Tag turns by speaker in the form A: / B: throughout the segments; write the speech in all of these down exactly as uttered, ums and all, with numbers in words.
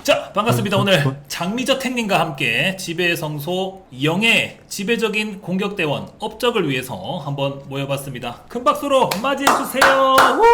A: 자, 반갑습니다. 오늘 장미저택님과 함께 지배의 성소 영의 지배적인 공격대원 업적을 위해서 한번 모여봤습니다. 큰 박수로 맞이해주세요.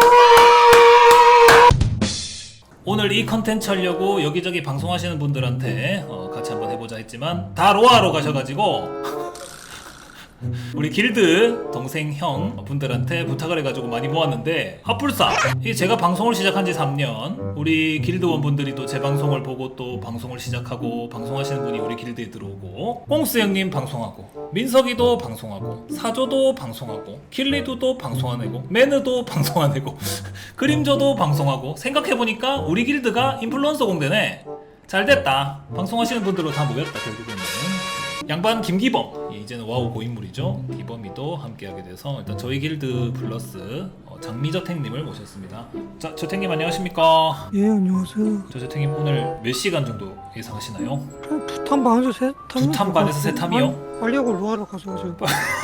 A: 오늘 이 컨텐츠 하려고 여기저기 방송하시는 분들한테 어, 같이 한번 해보자 했지만 다 로아로 가셔가지고 우리 길드 동생 형 분들한테 부탁을 해가지고 많이 모았는데 핫불사 이게 제가 방송을 시작한 지 삼 년 우리 길드원 분들이 또 제 방송을 보고 또 방송을 시작하고 방송하시는 분이 우리 길드에 들어오고 꽁스 형님 방송하고 민석이도 방송하고 사조도 방송하고 킬리두도 방송하내고 매느도 방송하내고 그림저도 방송하고 생각해보니까 우리 길드가 인플루언서 공대네. 잘됐다. 방송하시는 분들로 다 모였다. 결국에는 양반 김기범, 이제는 와우 고인물이죠. 기범이도 함께하게 돼서 일단 저희 길드 플러스 어, 장미저택님을 모셨습니다. 자, 저택님 안녕하십니까?
B: 예, 안녕하세요.
A: 저 저택님 오늘 몇 시간 정도 예상하시나요?
B: 한 두 탄 반에서 세 탐.
A: 두 탄 반에서 세 탐이요?
B: 빨리 하고 로아로 가셔가지고.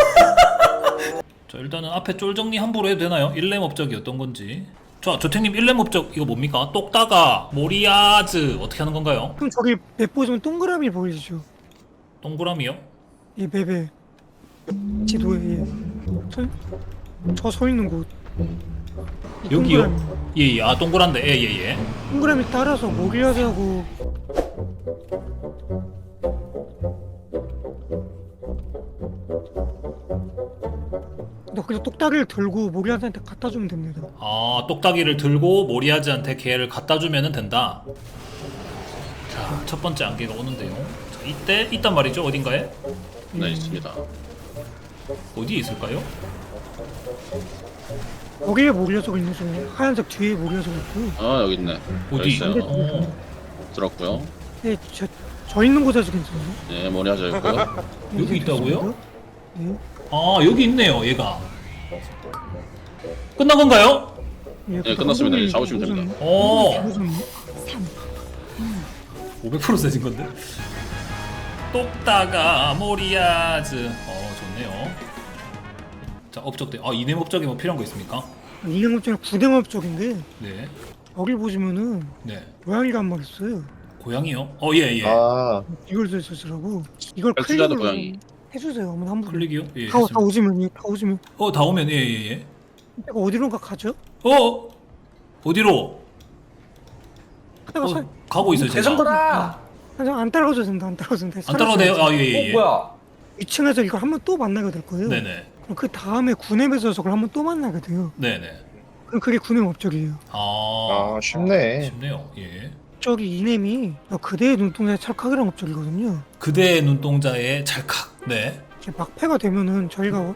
A: 자, 일단은 앞에 쫄 정리 함부로 해도 되나요? 일렘 업적이 어떤 건지. 자, 저택님 일렘 업적 이거 뭡니까? 똑다가 모리아즈 어떻게 하는 건가요?
B: 그럼 저기 맵 보시면 동그라미 보이시죠?
A: 동그라미요?
B: 이 맵에 지도에 예. 저 서 있는 곳. 이
A: 여기요?
B: 동그라미.
A: 예예. 아 동그란데 예예예.
B: 동그라미 따라서 모리아즈하고 너 그냥 똑딱이를 들고 모리아즈한테 갖다 주면 됩니다.
A: 아, 똑딱이를 들고 모리아즈한테 걔를 갖다 주면 된다. 자, 첫 번째 안개가 오는데요. 자, 이때 있단 말이죠. 어딘가에?
C: 네, 있습니다.
A: 어디에 있을까요?
B: 거기에 모리아즈가 있는 중에 하얀색 뒤에 모리아즈가 있고.
C: 아, 여기 있네.
A: 어디?
C: 여기 있어요.
A: 어.
C: 들었고요.
B: 네, 저, 저 있는 곳에서 괜찮아요.
C: 네, 머리 하자 있고요.
A: 여기 있다고요?
B: 네.
A: 아, 여기 있네요. 얘가. 끝난 건가요?
B: 예,
C: 네, 끝났습니다. 이제 잡으시면 됩니다.
A: 오,
B: 잡으셨네.
A: 오백 퍼센트 세진 건데. 똑다가 모리아즈. 어, 좋네요. 자, 업적대. 아, 이냄 업적에 뭐 필요한 거 있습니까?
B: 이행업적이 구댕업 쪽인데
A: 네.
B: 여기 보시면은
A: 네.
B: 고양이가 한 마리 있어요.
A: 고양이요? 어, 예, 예.
D: 아,
B: 이걸 쓰시라고 이걸
C: 백수자도
B: 클릭을
C: 고양이.
B: 해주세요. 한번 한 번.
A: 클릭이요? 예.
B: 다, 다
A: 했습니다.
B: 오시면 예, 다 오시면
A: 어, 다 오면 예, 예, 예.
B: 내가 어디론가 가죠?
A: 어? 어디로?
B: 하다가
A: 어,
B: 사,
A: 가고 있어요, 제가.
E: 대성거다.
B: 안, 안 따라가도 된다. 안 따라가도 된다.
A: 안 따라가네요. 아, 예, 예,
E: 어
A: 예.
E: 뭐야?
B: 이 층에서 이걸 한번 또 만나게 될 거예요.
A: 네네.
B: 그럼 그 다음에 구냄에서 저걸 한번 또 만나게 돼요.
A: 네네.
B: 그럼 그게 구냄 업적이에요.
A: 아,
D: 아 쉽네.
A: 쉽네요. 예.
B: 저기 이냄이 그대의 눈동자의 찰칵이라는 업적이거든요.
A: 그대의 눈동자의 찰칵. 네.
B: 이렇게 막패가 되면은 저희가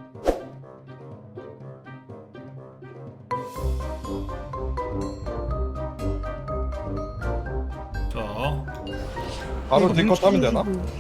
A: 자,
D: 바로 딜컷 하면 되나?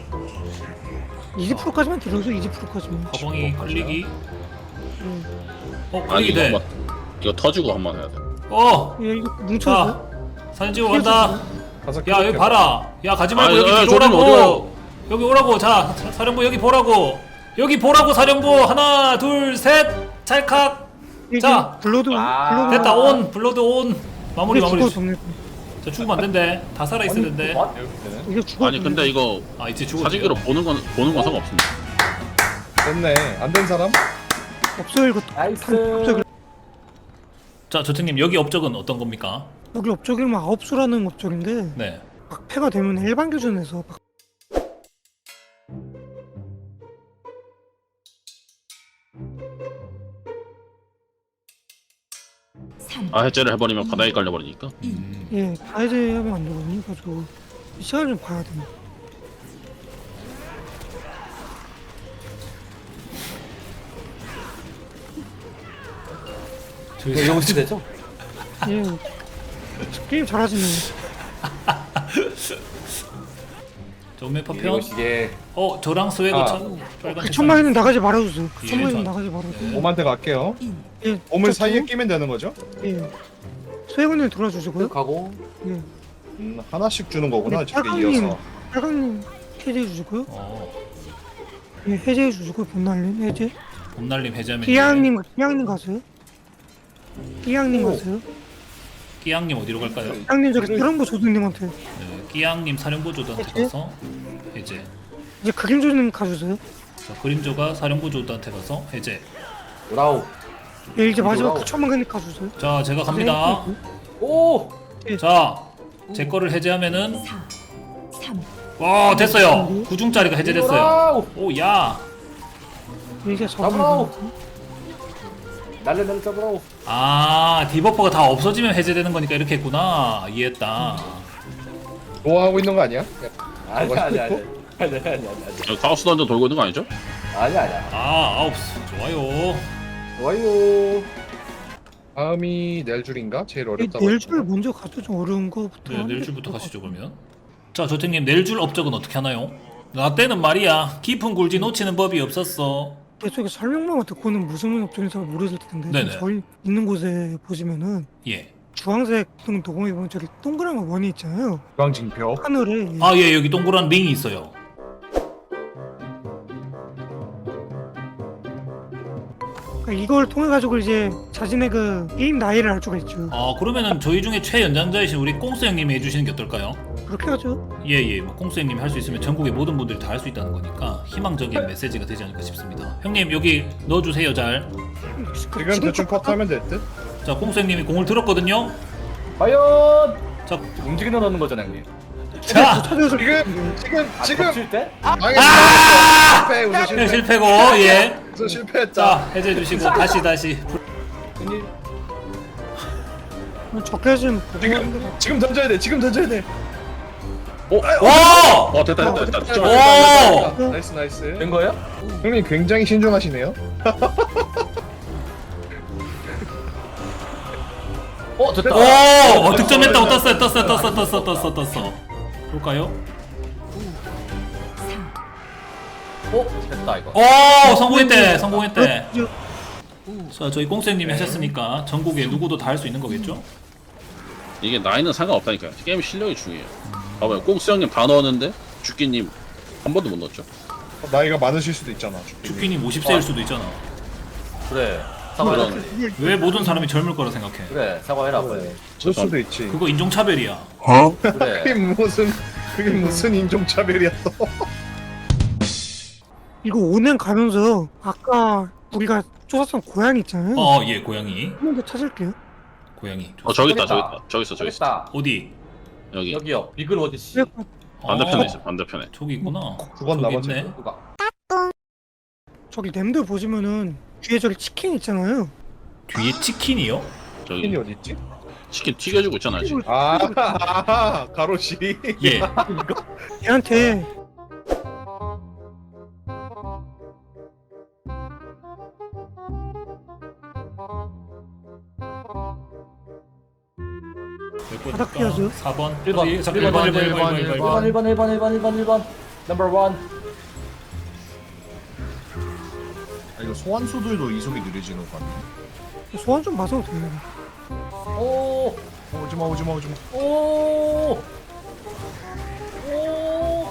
B: 이십 퍼센트까지만 들어줘. 이십 퍼센트까지만.
A: 가방이 클릭이.
B: 예.
A: 어,
C: 아니,
A: 클릭이
C: 이거
A: 돼.
C: 한번 이거 터지고 한번 해야 돼.
A: 어,
B: 예, 이거
A: 자,
B: 뭉쳐서
A: 사진 찍고 간다.
D: 가서
A: 야, 여기
D: 클릭해.
A: 봐라. 야, 가지 말고
C: 아,
A: 여기
C: 야,
A: 뒤로
C: 저리는
A: 오라고.
C: 어디가요?
A: 여기 오라고. 자, 사- 사령부 여기 보라고. 여기 보라고 사령부. 하나, 둘, 셋. 찰칵. 자,
B: 블러드
E: 아.
B: 블러드
A: 됐다. 온. 블러드 온. 마무리
B: 이게
A: 마무리.
B: 죽어 정리.
A: 자, 죽으면 안 된대. 다 살아 있어야 된대.
E: 뭐?
B: 이게 죽어.
C: 아니, 근데 이거
A: 아, 이제 죽었지.
C: 사진기로 보는 건 보는 건 상관없습니다.
D: 됐네. 안 된 사람?
B: 없어요 이거.
E: 나이스.
A: 자, 저택님 여기 업적은 어떤 겁니까?
B: 여기 업적이면 아홉 수라는 업적인데
A: 네.
B: 막패가 되면 일반 교전에서 막
C: 아, 해제를 해버리면 바닥에 깔려버리니까.
A: 음.
B: 예, 다 해제하면 안 되거든요. 그래서 시간을 좀 봐야 돼요.
E: 이거 영시 되죠?
B: 예, 게임 잘하시네.
A: 전매 파편.
E: 이게
A: 어, 저랑 스웨거
E: 아.
A: 천 빨간.
B: 그 천만에는 나가지 말아주세요. 그
A: 예,
B: 천만에는
A: 저-
B: 나가지 말아주세요.
D: 오만테 갈게요.
B: 예,
D: 오물
B: 저-
D: 사이에 끼면 되는 거죠?
B: 예, 수혜군님 돌아주시고요.
E: 가고
B: 예,
D: 음, 하나씩 주는 거구나.
B: 네,
D: 저게
B: 빨강님.
D: 이어서.
B: 빨강님 해제해 주시고요.
A: 어,
B: 예, 해제해 주시고 본날님 해제.
A: 봄날림 해자면.
B: 기양님 기양님 가세요. 기양님
D: 오.
B: 가세요.
A: 끼양님 어디로 갈까요?
B: 형님 저기 이런 거 조드님한테
A: 네, 끼양님 사령부 조드한테
B: 그치?
A: 가서 해제.
B: 이제 그림 조드님 가주세요.
A: 자, 그림조가 사령부 조드한테 가서 해제.
E: 브라우.
B: 예, 이제 마지막
E: 뭐라고?
B: 구천만 개님 가주세요.
A: 자, 제가 갑니다.
E: 오.
A: 자, 제 거를 해제하면은
F: 사, 삼,
A: 와 됐어요. 구중짜리가 해제됐어요.
E: 브라우.
A: 오 야.
B: 이제
E: 잡으라고.
B: 저거
E: 날래 날래 잡으라고.
A: 아 디버퍼가 다 없어지면 해제되는 거니까 이렇게 했구나. 이해했다.
D: 좋아하고 있는 거 아니야?
E: 아니 아니 아니. 아니 아니 아니 아니.
C: 여기 카오스 던전 돌고 있는 거 아니죠?
E: 아니 아니야.
A: 아 아홉 좋아요.
E: 좋아요.
D: 다음이 낼 줄인가? 제일 어렵다고.
B: 내일 줄 먼저 가도 좀 어려운 거부터.
A: 네,
B: 하는 게
A: 내일줄부터
B: 좋을 것
A: 가시죠 그러면. 자 조택님 내일줄 업적은 어떻게 하나요? 나 때는 말이야 깊은 굴지 놓치는 법이 없었어.
B: 계속에 설명만 듣고는 무슨 업종인지 잘 모르실 텐데
A: 네네.
B: 지금 저희 있는 곳에 보시면은
A: 예.
B: 주황색 등 도공에 보면 저기 동그란 원이 있잖아요.
D: 중앙징표.
B: 하늘에
A: 아 예 여기 동그란 링이 있어요.
B: 그러니까 이걸 통해 가지고 이제 자신의 그 게임 나이를 알 수가 있죠.
A: 아 그러면은 저희 중에 최연장자이신 우리 꽁스 형님이 해주시는 게 어떨까요?
B: 그렇게 하죠.
A: 예예 뭐 꽁스 형님이 할 수 있으면 전국의 모든 분들이 다 할 수 있다는 거니까 희망적인 메시지가 되지 않을까 싶습니다. 형님 여기 넣어주세요 잘.
D: 지금 대충 컷하면 될 듯?
A: 자 꽁스 형님이 공을 들었거든요.
E: 과연
A: 자,
E: 움직이는 넣는 거잖아 형님.
A: 자
B: 찾아서
D: 지금 지금
E: 아,
D: 지금
E: 덮칠 때?
D: 망했어. 실패 우선
A: 네,
D: 실패.
A: 실패고 예.
D: 우선 실패했다.
A: 자 해제해 주시고 다시 다시.
E: 형님.
B: 적게 하시면
D: 지금 지금 던져야 돼. 지금 던져야 돼.
A: 오!
C: 어 됐다 됐다 됐다. 됐다.
A: 오!
D: 됐다. 나이스 나이스.
E: 된 거예요?
D: 형님 굉장히 신중하시네요.
E: 어 됐다.
A: 오! 어, 득점했다고 떴어요 떴어요 떴어 떴어 떴어 떴어. 볼까요?
E: 어 됐다 이거.
A: 오 성공했대 성공했대.
B: 저-
A: 자 저희 꽁스 형님이 하셨으니까 전국에 누구도 다 할 수 있는 거겠죠?
C: 이게 나이는 상관없다니까요. 게임 실력이 중요해요. 봐봐요. 꽁스 형님 다 넣었는데 주끼님 한 번도 못 넣었죠.
D: 나이가 많으실 수도 있잖아.
A: 주키님 오십 세일 수도 있잖아.
E: 그래. 사과해라.
C: 그런
A: 왜 모든 사람이 젊을 거라 생각해?
E: 그래 사과해라 빨리.
D: 그럴 수도 있지.
A: 그거 인종차별이야.
D: 그게
E: 그래.
D: 무슨 그게 무슨 인종차별이야 또.
B: 이거 오 년 가면서 아까 우리가 쫓았던 고양이 있잖아요.
A: 어 예 고양이
B: 한 번 더 찾을게요.
A: 고양이.
C: 어 저기 있다 저기
E: 있다.
C: 있다. 저기 있어 저기 있어.
E: 됐다.
A: 어디?
C: 여기
E: 여기요. 비글 어디씨.
B: 네,
C: 반대편에
A: 어,
C: 있어 반대편에.
A: 저기 있구나.
D: 두 번
A: 저기
D: 남았지.
A: 있네.
E: 누가?
B: 저기 램들 보시면은 뒤에 저기 치킨 있잖아요.
A: 뒤에 치킨이요?
C: 저기
D: 치킨이 어디 있지?
C: 치킨 튀겨주고 있잖아 지금.
D: 아, 아 가로시.
A: 예.
B: 얘한테 바닥 피하죠.
A: 사 번.
E: 일 번.
A: 일 번
E: 일 번,
A: 일 번 일 번 일 번 일 번
E: 일 번 일 번 일 번 일 번 일 번 넘버 원.
G: 아, 이거 소환수들도 이속이 느려지는 거 같네.
B: 소환 좀 봐서 돼요.
E: 오.
G: 어, 오지마 오지마 오지마.
E: 오. 오.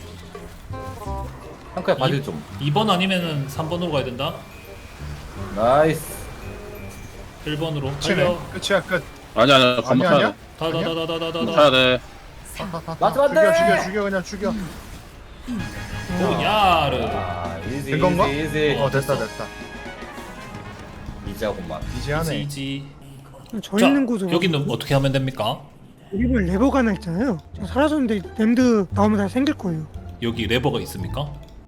E: 한카야 바질 좀.
A: 이 번 아니면은 삼 번으로 가야 된다.
E: 나이스.
A: 일 번으로
G: 끝이네.
A: 달려.
G: 끝이야 끝.
C: 아니 아니 건너
G: 아니야,
C: 타야
G: 아니야?
C: 돼.
A: 다다다다다다다.
C: 타야 돼.
E: 맞으면 안
G: 죽여
E: 돼.
G: 죽여 죽여 그냥 죽여.
A: 오 야르.
E: 아, 이지
G: 된 건가?
E: 이지 이지.
G: 어 됐다 됐다.
E: 이지하고만.
G: 이제 하네.
A: 이지.
B: 저
A: 자
B: 있는 곳으로
A: 여기는 어떻게 하면 됩니까?
B: 여기 보면 레버가 하나 있잖아요. 저 사라졌는데 램드 나오면 다 생길 거예요.
A: 여기 레버가 있습니까?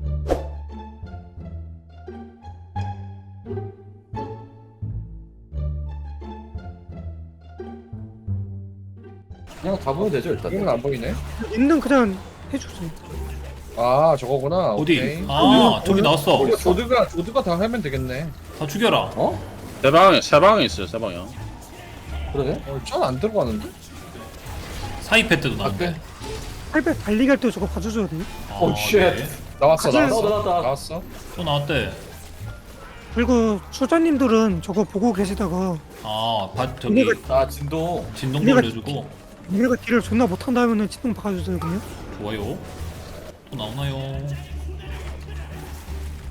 E: 그냥 다 보면 되죠 일단.
D: 이건 안 보이네.
B: 램드는 그냥 해주세요.
D: 아 저거구나.
A: 어디?
D: 오케이.
A: 아 저기 나왔어.
D: 이거 조드가 조드가 다 하면 되겠네.
A: 다 죽여라.
E: 어?
C: 세 방에 세 방에 있어요 세 방이요.
E: 그러네.
D: 어, 전안 들어가는데?
A: 사이패 때도 나왔네.
B: 팔백 달리기 할 때 저거 봐줘줘야 돼요.
A: 아,
E: 오, 쉣.
A: 네.
D: 나왔어
B: 가자.
D: 나왔어
E: 나왔다, 나왔다.
D: 나왔어.
A: 또 나왔대.
B: 그리고 수자님들은 저거 보고 계시다가
A: 아, 바, 저기
E: 아 진동.
A: 진동
B: 얘가
A: 돌려주고
B: 얘가 딜을 존나 못한다면은 치동 박아주세요 그냥.
A: 좋아요. 또 나오나요?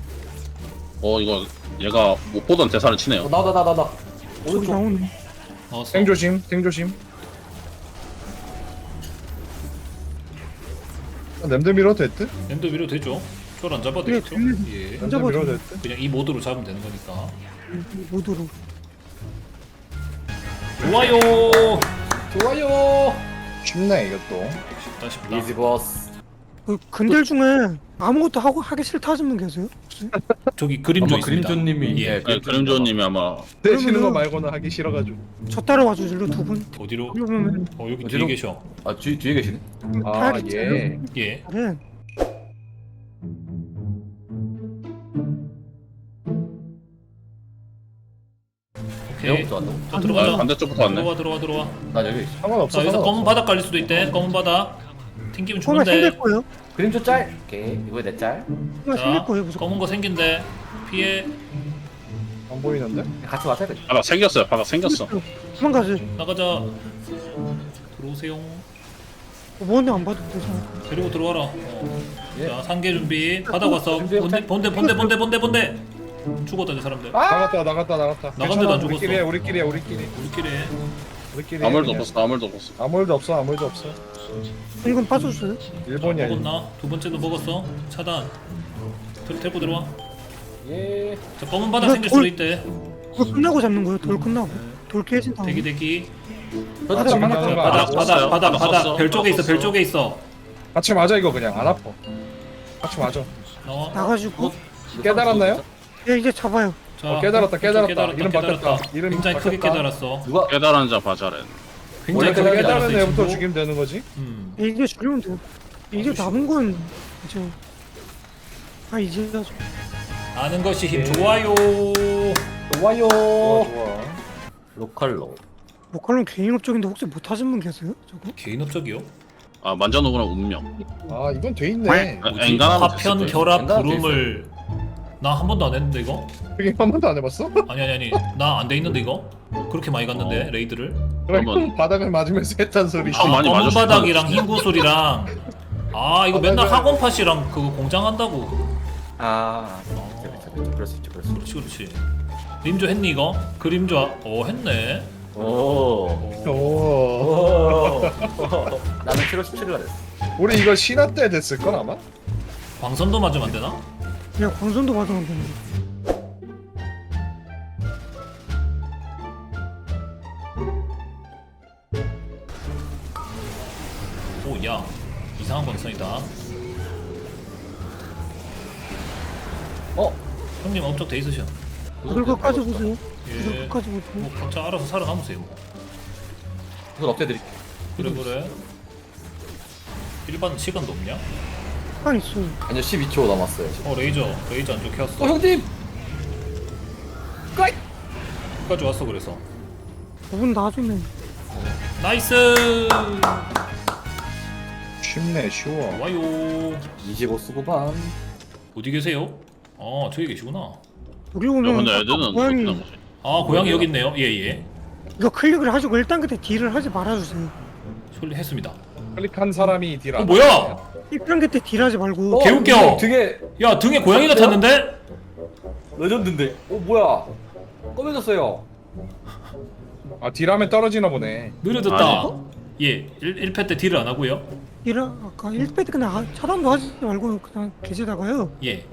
C: 어 이거 얘가 못 보던 대사를 치네요.
E: 어, 나다 나다 나.
B: 저기
E: 오른쪽.
B: 나오네.
A: 넣었어.
D: 탱 조심, 탱 조심. 아, 냄새 밀어도 됐듯?
A: 랜드 위로 되죠? 쫄 안 잡아도
B: 예,
A: 되겠죠?
B: 됩니다.
A: 예.
D: 냄새
B: 잡아도
D: 밀어도 됐듯?
A: 그냥 이 모드로 잡으면 되는 거니까.
B: 모두로.
A: 좋아요.
E: 좋아요.
D: 쉽네 이것도.
A: 쉽다 쉽다.
E: 이지 보스.
B: 그 근들 중에 아무것도 하고 하기 싫다 하시는 분 계세요? 혹시?
A: 저기 그림조
E: 아마
A: 있습니다.
E: 그림조님이
A: 예.
C: 네, 그림조님이 아마
D: 대시는 거
B: 그러면은-
D: 말고는 하기 싫어가지고.
B: 저 따라와 주실래요 두 분?
A: 어디로?
B: 그러면
A: 어 여기 뒤에
E: 어디로?
A: 계셔.
E: 아 뒤, 뒤에 계시네.
D: 아 예.
A: 예.
B: 네.
A: 오케이.
E: 내가부터 왔나?
A: 자
C: 아,
A: 들어가자.
C: 반대쪽부터 왔네.
A: 들어와 들어와 들어와.
E: 나 여기 있어.
D: 상관없어.
A: 자 여기서 검은
D: 상관없어.
A: 바닥 깔릴 수도 있대. 검은 바닥. 튕기면
B: 뭔가
A: 죽는데.
B: 생길 거예요.
E: 그림조 짤. 오케이. 이거에 내 짤.
B: 뭔가 생길
A: 자
B: 거예요 무조건.
A: 검은 거 생긴데. 피해.
D: 안 보이는데?
E: 같이 와서 해야 돼.
C: 바닥 생겼어요. 바닥 생겼어.
B: 도망가지.
A: 나가자. 들어오세요.
B: 뭔데 안 봐도 되잖아.
A: 데리고 들어와라. 어.
E: 예.
A: 자 상계 준비. 바닥 왔어.
E: 준비,
A: 본대 본대 본대 본대 본대 본대. 죽었다 이 사람들.
D: 나갔다 나갔다 나갔다.
A: 나간 데도 안 죽었어.
D: 우리끼리 해 우리끼리 해 우리끼리.
A: 우리끼리. 해.
D: 우리끼리.
C: 아무 일도
D: 그냥.
C: 없었어. 아무 일도 없었어.
D: 아무 일도 없어 아무 일도 없어.
B: 이건 빠져주세요.
D: 일본이야. 일본.
A: 먹었나? 두 번째도 먹었어. 차단. 들, 데리고 들어와.
E: 예.
A: 자 검은 바닥
B: 이거
A: 생길
B: 돌-
A: 수도 있대.
B: 그거 끝나고 잡는 거예요. 돌 끝나고. 돌 깨진 다음에.
A: 대기 대기.
B: 바닥,
E: 지금
B: 바닥,
A: 자,
D: 바닥,
A: 바닥
C: 썼어요.
A: 바닥 바닥
C: 바닥
A: 바닥.
C: 썼어.
A: 별 쪽에 있어.
C: 바닥
A: 별
C: 썼어.
A: 쪽에 있어.
D: 같이 맞아 이거 그냥 안 아파. 같이 맞아.
A: 나와.
B: 나가지고.
D: 깨달았나요?
B: 예 이제 잡아요.
A: 자,
D: 어, 깨달았다, 깨달았다.
A: 깨달았다,
D: 이름
A: 깨달았다.
D: 바뀌었다. 이름
A: 굉장히 크게
D: 바뀌었다.
A: 깨달았어.
E: 누가
C: 깨달은 자 바자렌.
A: 굉장히
E: 원래
A: 크게
E: 깨달은
A: 깨달았어.
D: 깨달은
A: 이
D: 애부터
A: 친구.
D: 죽이면 되는 거지?
A: 음.
B: 예, 이제 죽이면 돼요. 이제 남은 건 이제 아 이제 해야죠.
A: 아는 것이 힘
D: 예.
A: 좋아요.
E: 좋아요.
D: 좋아 좋아.
E: 로컬로.
B: 목칼론 개인업적인데 혹시 못 하신 분 계세요? 저거?
A: 개인업적이요?
C: 아 만져놓으라 운명.
D: 아 이건 돼 있네.
C: 아,
A: 뭐지?
C: 엔간하면
A: 화편
C: 됐을
A: 결합
E: 엔간하면
A: 구름을 나 한 번도 안 했는데 이거?
D: 그게 한 번도 안 해봤어?
A: 아니 아니 아니 나 안 돼 있는데 이거? 그렇게 많이 갔는데
C: 어.
A: 레이드를?
D: 그럼
C: 한번-
D: 바닥을 맞으면서 했단 소리지.
C: 아, 많이
A: 검은
C: 맞았을
A: 바닥이랑
C: 거야.
A: 흰 구슬이랑 아 이거
D: 아,
A: 맨날
D: 맞아요.
A: 학원 팟이랑 그거 공장 한다고.
E: 아. 그렇죠, 그렇죠. 그럴 수 있죠. 그럴 수 있죠.
A: 그렇지 그렇지. 림조 했니 이거? 그림조 아- 어 했네.
E: 오.
D: 오.
E: 오. 나는 칠월 십칠일날 됐어.
D: 우리 이거 신화 때 됐을 걸 아마?
A: 광선도 맞으면 안 되나?
B: 그냥 광선도 받으면 되는데.
A: 오야 이상한 광선이다.
E: 어?
A: 형님 업적 돼 있으셔.
B: 그걸 끝까지 보세요.
A: 예.
B: 그걸 끝까지 보세요.
A: 뭐 각자 알아서 살아남으세요. 뭐.
E: 그건 업데드릴게.
A: 그래 그래. 일반 시간도 없냐?
B: 시간 있어요.
E: 아니요 십이 초 남았어요. 지금.
A: 어 레이저 레이저 안 좋게 왔어.
E: 어 형님. 까이.
A: 끝까지 왔어 그래서.
B: 그분 나중에
A: 나이스.
D: 쉽네 쉬워.
A: 와요.
E: 이십오 수고반.
A: 어디 계세요? 아 저기 계시구나.
B: 여기
C: 야,
B: 오면
C: 근데
B: 아까
C: 애들은
B: 고양이
C: 어떤 거지?
A: 아 고양이 여기 있네요. 예예.
B: 이거 클릭을 하시고 일단 그때 딜을 하지 말아주세요.
A: 처리했습니다.
D: 클릭한 사람이 딜
A: 어
D: 안.
A: 뭐야?
B: 일단 그때 딜하지 말고
E: 어,
A: 개웃겨.
E: 이거 되게
A: 야 등에 고양이가 탔는데?
E: 레전드인데. 어 뭐야? 꺼매졌어요.
D: 아 딜하면 떨어지나 보네.
A: 느려졌다.
C: 아니.
A: 예, 일 패 때 딜을 안 하고요.
B: 딜을 아까 일 패 때 그냥 하- 차단도 하지 말고 그냥 계시다가요.
A: 예.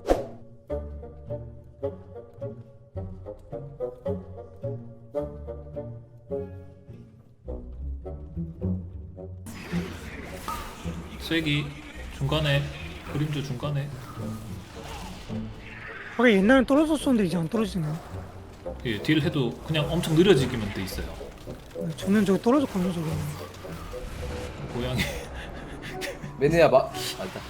A: 쐐기 중간에 그림조 중간에
B: 아까 옛날엔 떨어졌었는데 이제 안 떨어지네요.
A: 예, 딜 해도 그냥 엄청 느려지기만 돼 있어요.
B: 저는 저기 떨어졌거든요 저거.
A: 고양이
E: 매니아 마. 아 일단.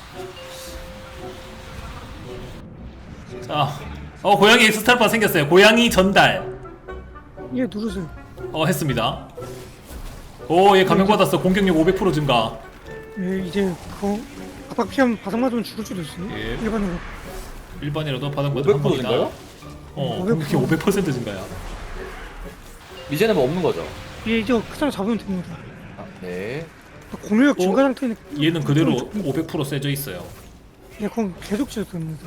A: 자, 어 고양이 엑스트라파 생겼어요. 고양이 전달.
B: 예 누르세요.
A: 어 했습니다. 오, 얘 감염 받았어. 공격력 오백 퍼센트 증가.
B: 예 이제 그거 바닥 피하면 바닥 맞으면 죽을 수도 있어요.
A: 예.
B: 일반으로.
A: 일반이라도 바닥 맞으면
E: 오백
A: 한
E: 퍼센트
A: 방이다.
E: 증가요?
A: 어,
B: 오백
A: 공격력 오백 퍼센트 증가야.
E: 이제는 뭐 없는 거죠?
B: 예 이제 그냥 잡으면 됩니다.
E: 아, 네.
B: 공유력
A: 어?
B: 증가 상태는
A: 얘는 그대로 오백 퍼센트 세져 있어요.
B: 예 그건 계속 지어도 됩니다.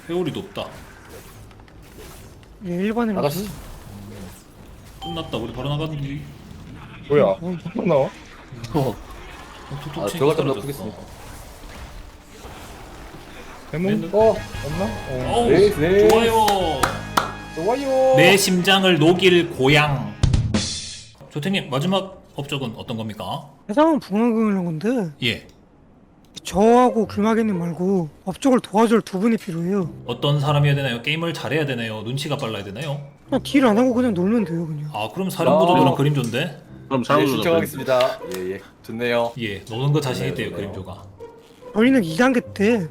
A: 회오리 높다.
B: 예, 일반인
E: 나가시.
A: 끝났다. 우리 바로 나가는데.
D: 뭐야?
B: 어,
D: 또 나와?
C: 어.
A: 톡톡
E: 아,
A: 치니까
E: 들어갈 때마다
A: 사라졌어.
E: 푸겠습니다.
D: 대문?
E: 어,
D: 없나? 어.
A: 어우,
E: 네, 네.
A: 좋아요.
D: 좋아요.
A: 내 심장을 녹일 고향. 조태님 마지막 업적은 어떤 겁니까?
B: 해상은 붕어금을 한 건데
A: 예.
B: 저하고 글마개님 말고 업적을 도와줄 두 분이 필요해요.
A: 어떤 사람이어야 되나요? 게임을 잘해야 되나요? 눈치가 빨라야 되나요?
B: 그냥 딜 안 하고 그냥 놀면 돼요 그냥.
A: 아 그럼 사령부도랑
E: 아.
A: 그림조인데?
C: 그럼
E: 예,
C: 사람들
E: 신청하겠습니다. 예, 예. 좋네요.
A: 예, 노는 거 자신
E: 네,
A: 있대요
E: 네.
A: 그림조가.
B: 저희는 이 단계 때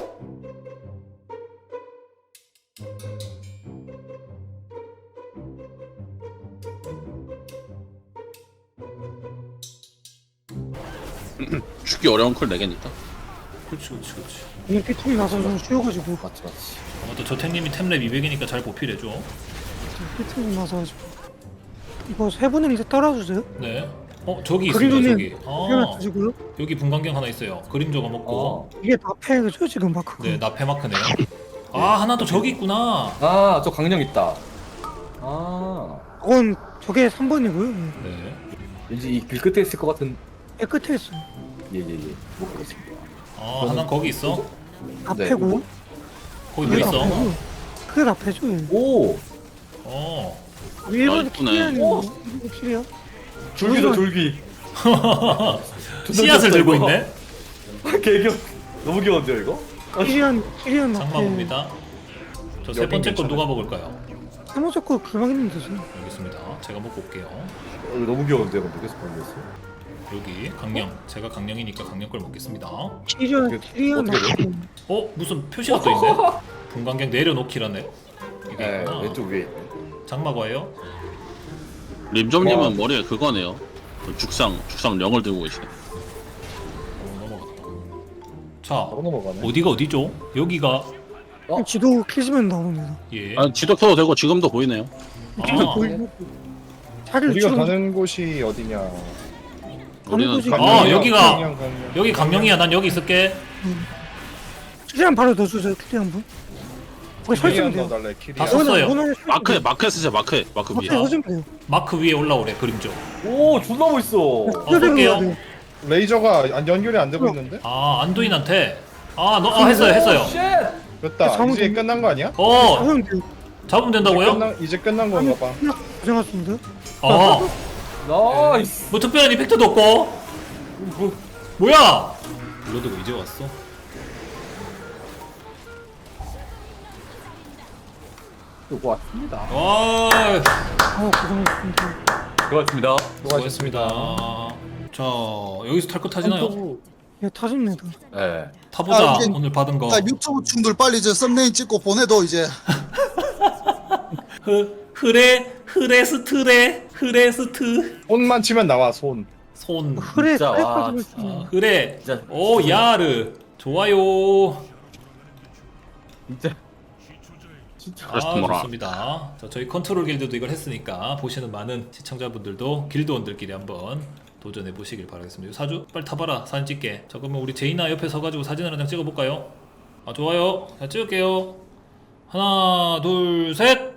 C: 죽기 어려운 콜 내겠니까?
A: 그렇지 그렇지 그렇지.
B: 그냥 피통이 나서 좀 쉬어가지고
E: 맞지, 맞지.
A: 아무튼 조태님이 템랩 이백이니까 잘 보필해줘.
B: 피통이 나서 가지고 이거 세 분은 이제 따라주세요.
A: 네. 어 저기 있습니다
B: 그림조님
A: 저기.
B: 하나
A: 아
B: 드시고요.
A: 여기 분광경 하나 있어요. 그림조가 먹고.
E: 어.
B: 이게 나패죠 지금 마크가.
A: 네 나페 마크네요. 아 하나 또 저기 있구나.
E: 아, 저 강령 있다. 아,
B: 그건 저게 삼 번이고요.
A: 네.
E: 왠지 이 길 끝에 있을 것 같은.
B: 깨끗해 있어요.
E: 예, 예, 예. 못 보겠습니다.
A: 아 하나 거기 있어.
B: 나패고
A: 거기 뭐
B: 그게
A: 있어?
B: 나패고 그게 나패죠. 예.
E: 오,
A: 어.
B: 일본
C: 이쁘네.
B: 키리안이
E: 오!
B: 이거 키리야?
E: 줄기다, 줄기.
A: 씨앗을 들고
E: 이거.
A: 있네.
E: 개겨. 너무 귀여운데요, 이거?
B: 키리안 키리안 나패.
A: 장마 봅니다. 저 세
D: 여긴
A: 번째 건
D: 괜찮아.
A: 누가 먹을까요?
B: 사모적 거 글망했는데 되죠.
A: 알겠습니다. 제가 먹고 올게요.
E: 어, 이거 너무 귀여운데요, 근데 계속 보내겠어요.
A: 여기 강령. 제가 강령이니까 강령 걸 먹겠습니다.
B: 키리안
E: 어떻게-
B: 키리안
E: 어떻게
B: 나패.
A: 어 무슨 표시가 또 있네. 분광경 내려놓기라네. 이게
E: 네,
A: 있구나.
E: 왼쪽 위에.
A: 장마과예요?
C: 림점님은
E: 와.
C: 머리에 그거네요. 그 죽상 죽상 령을 들고 계시네.
A: 어, 넘어갔다. 자
D: 바로 넘어가네.
A: 어디가 어디죠? 여기가
E: 어?
B: 지도 켜시면 나옵니다.
A: 예.
C: 아 지도 켜도 되고 지금도 보이네요.
A: 아,
B: 보이고 자리를
D: 우리가
B: 지금
D: 가는 곳이 어디냐?
C: 우리는
B: 곳이-
C: 강-
A: 아,
D: 강릉이야,
A: 여기가-
D: 강릉, 강릉.
A: 여기 강령이야. 난 여기 있을게.
B: 키리안 바로 넣어주세요. 키리안 분. 거기 서 있으면
D: 키리안
B: 돼요.
D: 넣어달래. 키리안.
A: 다 썼어요.
C: 마크에 마크에 쓰자 마크에 마크 위에.
B: 마크에 서주면 돼요.
A: 마크 위에 올라오래 그림조.
E: 오, 존나 멋있어.
A: 어, 볼게요.
D: 레이저가 안- 연결이 안 되고 있는데?
A: 아 안도인한테. 아, 너, 아 했어요 했어요.
E: 쉣!
D: 됐다.
B: 잠은
D: 이제
B: 좀-
D: 끝난 거 아니야?
A: 어
B: 잡으면 돼요.
A: 잡으면
D: 이제
A: 된다고요?
D: 끝난, 이제 끝난 건가 봐.
B: 고생하셨습니다.
A: 어.
E: 나이스.
A: 뭐 특별한 이펙트도 없고.
E: 뭐,
A: 뭐야? 블러드가 이제 왔어?
E: 이거 왔습니다.
A: 와
B: 어, 고생하셨습니다.
E: 고맙습니다.
A: 수고하셨습니다. 자 여기서 탈 거 타지나요?
B: 예, 타집니다.
E: 예.
A: 타보자.
F: 아, 이제-
A: 오늘 받은 거.
F: 자, 유튜브 충들 빨리 저 썸네일 찍고 보내도 이제
A: 흐 흐레 흐레스트레 흐레스트
D: 손만 치면 나와 손.
A: 손.
B: 흐레
E: 진짜,
B: 흐레
E: 와,
B: 빠지고
E: 진짜.
B: 있습니다.
A: 아, 흐레.
E: 진짜.
A: 오 야르. 좋아요.
E: 진짜. 진짜.
C: 그래서
A: 아
C: 뭐라.
A: 좋습니다. 자 저희 컨트롤 길드도 이걸 했으니까 보시는 많은 시청자분들도 길드원들끼리 한번 도전해 보시길 바라겠습니다. 사주 빨리 타봐라 사진 찍게. 자 그러면 우리 제이나 옆에 서가지고 사진 한 장 찍어볼까요? 아 좋아요. 자 찍을게요. 하나 둘 셋.